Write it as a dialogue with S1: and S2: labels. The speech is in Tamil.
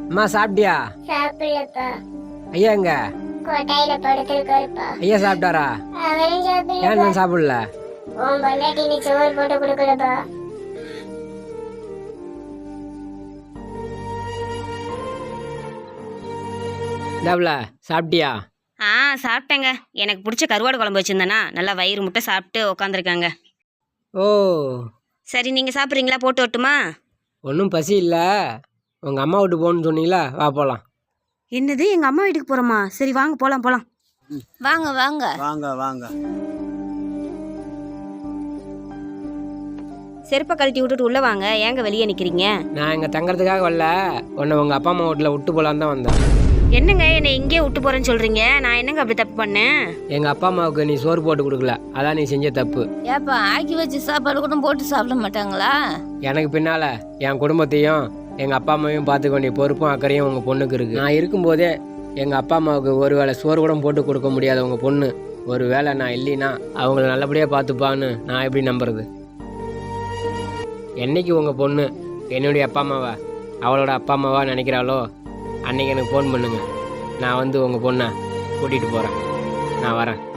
S1: அம்மா சாப்பிட்டியா?
S2: சாப்பிடலப்பா.
S1: ஐயா எங்க?
S2: கொட்டாயில படுத்திருக்காருப்பா.
S1: ஐயா சாப்பிட்டாரா?
S2: அவரும்
S1: ஏன்
S2: சாப்பிடலப்பா.
S1: நான் சாப்பிடல?
S2: உன் பொண்டாட்டி நீ சோறு போட்டு கொடுக்கலப்பா.
S1: இந்தாப்புல சாப்பிட்டியா?
S3: சாப்பிட்டேங்க. எனக்கு பிடிச்ச கருவாடு குழம்பு வச்சுருந்தேன்னா நல்லா வயிறு முட்டை சாப்பிட்டு உக்காந்துருக்காங்க.
S1: ஓ,
S3: சரி நீங்கள் சாப்பிட்றீங்களா? போட்டு வரட்டுமா?
S1: ஒன்றும் பசி இல்லை. உங்கள் அம்மா வீட்டு போகணுன்னு சொன்னீங்களா, வா போகலாம்.
S3: என்னது, எங்கள் அம்மா வீட்டுக்கு போகிறோமா? சரி வாங்க போகலாம் போகலாம்.
S4: வாங்க வாங்க
S5: வாங்க வாங்க.
S3: செருப்பை கழட்டி விட்டுட்டு உள்ளே வாங்க. ஏங்க வெளியே நிற்கிறீங்க?
S1: நான் இங்கே தங்கறதுக்காக வரல, உன்னை உங்கள் அப்பா அம்மா வீட்டில் விட்டு போகலான்னு தான் வந்தேன்.
S3: என்னங்க என்னை இங்கே விட்டு போகிறேன்னு சொல்கிறீங்க? நான் என்னங்க அப்படி தப்பு பண்ணேன்?
S1: எங்கள் அப்பா அம்மாவுக்கு நீ சோறு போட்டு கொடுக்கல, அதான் நீ செஞ்ச தப்பு.
S4: ஏப்பா ஆக்கி வச்சு சாப்பாடு கூட போட்டு சாப்பிட மாட்டாங்களா?
S1: எனக்கு பின்னால் என் குடும்பத்தையும் எங்கள் அப்பா அம்மாவையும் பார்த்துக்க வேண்டிய பொறுப்பும் அக்கறையும் உங்கள் பொண்ணுக்கு இருக்குது. நான் இருக்கும்போதே எங்கள் அப்பா அம்மாவுக்கு ஒரு வேளை சோறு கூட போட்டு கொடுக்க முடியாத உங்கள் பொண்ணு ஒரு வேளை நான் இல்லைன்னா அவங்கள நல்லபடியாக பார்த்துப்பான்னு நான் எப்படி நம்புறது? என்னைக்கு உங்கள் பொண்ணு என்னுடைய அப்பா அம்மாவா அவளோட அப்பா அம்மாவா நினைக்கிறாளோ அன்றைக்கி எனக்கு ஃபோன் பண்ணுங்கள். நான் வந்து உங்கள் பொண்ணை கூட்டிகிட்டு போகிறேன். நான் வரேன்.